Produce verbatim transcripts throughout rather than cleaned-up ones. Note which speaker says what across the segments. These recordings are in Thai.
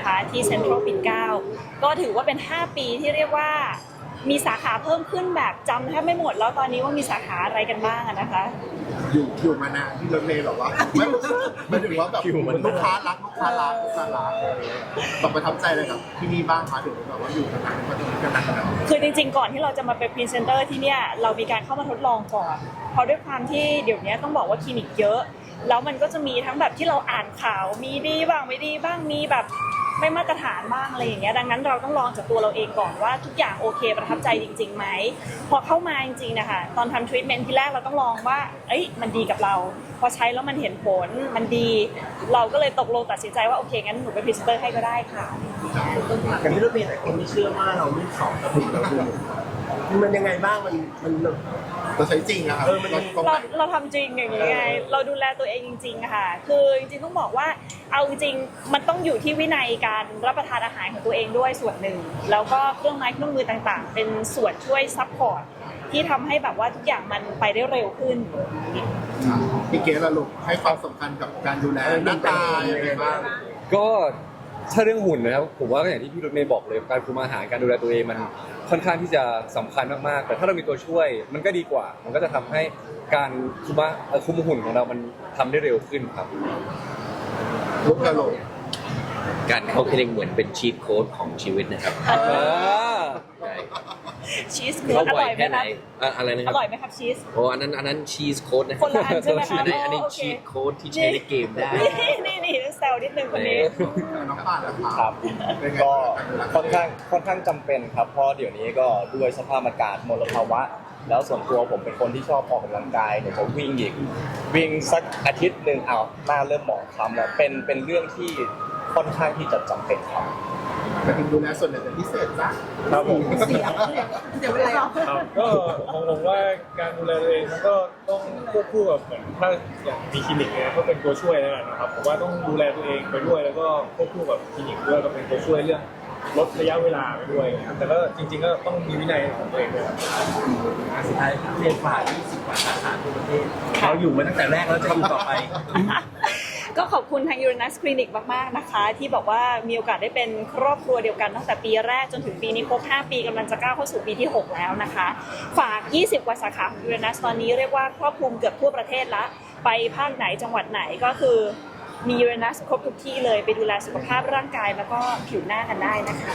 Speaker 1: นะคะที่เซ็นทรัลปิ่นเกล้าก็ถือว่าเป็นห้าปีที่เรียกว่ามีสาขาเพิ่มขึ้นแบบจำแทบไม่หมดแล้วตอนนี้ว่ามีสาขาอะไรกันบ้างนะคะ
Speaker 2: อยู่อยู่มานานที่รถเมล์แบบว่าไม่ไม่ถึงว่าแบบลูกค้ารักลูกค้ารักลูกค้ารักแบบประทับใจอะไรกับที่นี่บ้างคะถึงแบบว่าอยู่กันนานมาจนกันนานขนาดนี้
Speaker 1: คือจริงๆก่อนที่เราจะมาเป็นพรีเซนเตอร์ที่เนี่ยเรามีการเข้ามาทดลองก่อนเพราะด้วยความที่เดี๋ยวนี้ต้องบอกว่าคลินิกเยอะแล้วมันก็จะมีทั้งแบบที่เราอ่านข่าวมีดีบ้างไม่ดีบ้างมีแบบไม่มาตรฐานบ้างอะไรอย่างเงี้ยดังนั้นเราต้องลองจากตัวเราเองก่อนว่าทุกอย่างโอเคประทับใจจริงๆไหมพอเข้ามาจริงๆนะคะตอนทำทรีทเมนต์ที่แรกเราต้องลองว่าเอ้ยมันดีกับเราพอใช้แล้วมันเห็นผลมันดีเราก็เลยตกลงตัดสินใจว่าโอเคงั้นหนูเป็นพรีเซนเตอร์ให้ก็ได้ค่ะ
Speaker 3: อย่างที่รถเมล์หลายคนไม่เชื่อว่าเราไม่สอบกระถิ่นเราดูมันยังไงบ้างมันมัน
Speaker 2: เราใช้จริงอะครับ
Speaker 1: เราเราทำจริงอย่างนี้ไงเราดูแลตัวเองจริงๆค่ะคือจริงๆต้องบอกว่าเอาจริงมันต้องอยู่ที่วินัยการรับประทานอาหารของตัวเองด้วยส่วนหนึ่งแล้วก็เครื่องไม้เครื่องมือต่างๆเป็นส่วนช่วยซัพพอร์ตที่ทำให้แบบว่าทุกอย่างมันไปได้เร็วขึ้น
Speaker 2: พี่เกศล่ะลูกให้ความสำคัญกับการดูแลหน้าตาอย่างไรบ้าง
Speaker 4: ก็ถ้าเรื่องหุ่นนะครับผมว่าก็อย่างที่พี่รถเมย์บอกเลยการคุมอาหารการดูแลตัวเองมันค่อนข้างที่จะสำคัญมากๆแต่ถ้าเรามีตัวช่วยมันก็ดีกว่ามันก็จะทำให้การคุมคุมหุ่นของเรามันทำได้เร็วขึ้นครับ
Speaker 2: ลูกกระโหลก
Speaker 5: การเข้าคลินิกเหมือนเป็นชีทโค้ดของชีวิตนะครับ
Speaker 1: ชีสคืออร่อยไหมครับ
Speaker 5: อะไรนะครับ
Speaker 1: อร่อยไหมครับชีส
Speaker 5: โอ้อันนั้นอันนั้นชีสโค้ดนะ
Speaker 1: คนละอันใช่ไหมคะ
Speaker 5: อันนี้อันนี้ชีสโค้ดที่ใช้ในเกมได้
Speaker 1: นี่นี่แซวนิดนึงคนนี้
Speaker 2: น้องป้า
Speaker 6: ครับก็ค่อนข้างค่อนข้างจำเป็นครับเพราะเดี๋ยวนี้ก็ด้วยสภาพอากาศมลภาวะแล้วส่วนตัวผมเป็นคนที่ชอบออกกำลังกายเนี่ยจะวิ่งอีกวิ่งสักอาทิตย์หนึ่งเอาหน้าเริ่มหมองคล้ำแล้วเป็นเป็นเรื่องที่ค่อนข้างที่จะจำเป็นครับ
Speaker 2: แต่ถึงดูแลส่วนไหนเป็นพิเศษจ้ะ
Speaker 6: ครับผม
Speaker 3: เสียเดี๋ยวเวลา
Speaker 7: ครับก็ของผมว่าการดูแลตัวเองมันก็ต้องควบคู่กับเหมือนถ้าอย่างมีคลินิกเนี่ยก็เป็นตัวช่วยแล้วนะครับผมว่าต้องดูแลตัวเองไปด้วยแล้วก็ควบคู่กับคลินิกด้วยก็เป็นตัวช่วยเรื่องลดระยะเวลาไปด้วยแต่ก็จริงๆก็ต้องมีวินัยของตัวเองด้วย
Speaker 3: สุดท้ายเรียนฝ่ายยี่สิบกว่าสาขาทั่วประเทศเราอยู่มาตั้งแต่แรกแล้วจะอยู่ต่อไป
Speaker 1: ก็ขอบคุณทาง Uranus Clinic มากๆนะคะที่บอกว่ามีโอกาสได้เป็นครอบครัวเดียวกันตั้งแต่ปีแรกจนถึงปีนี้ครบห้าปีกำลังจะก้าวเข้าสู่ปีที่หกแล้วนะคะฝากยี่สิบกว่าสาขาของ Uranus ตอนนี้เรียกว่าครอบคลุมเกือบทั่วประเทศละไปภาคไหนจังหวัดไหนก็คือมี Uranus ครบทุกที่เลยไปดูแลสุขภาพร่างกายแล้วก็ผิวหน้ากันได้นะคะ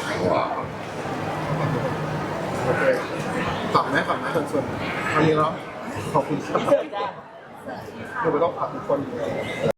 Speaker 2: โอเคฝากแม่ฝากแม่ส่วนๆวันนี้เนาะขอบคุณครับเดี๋ยวไปต้องฝากทุกคน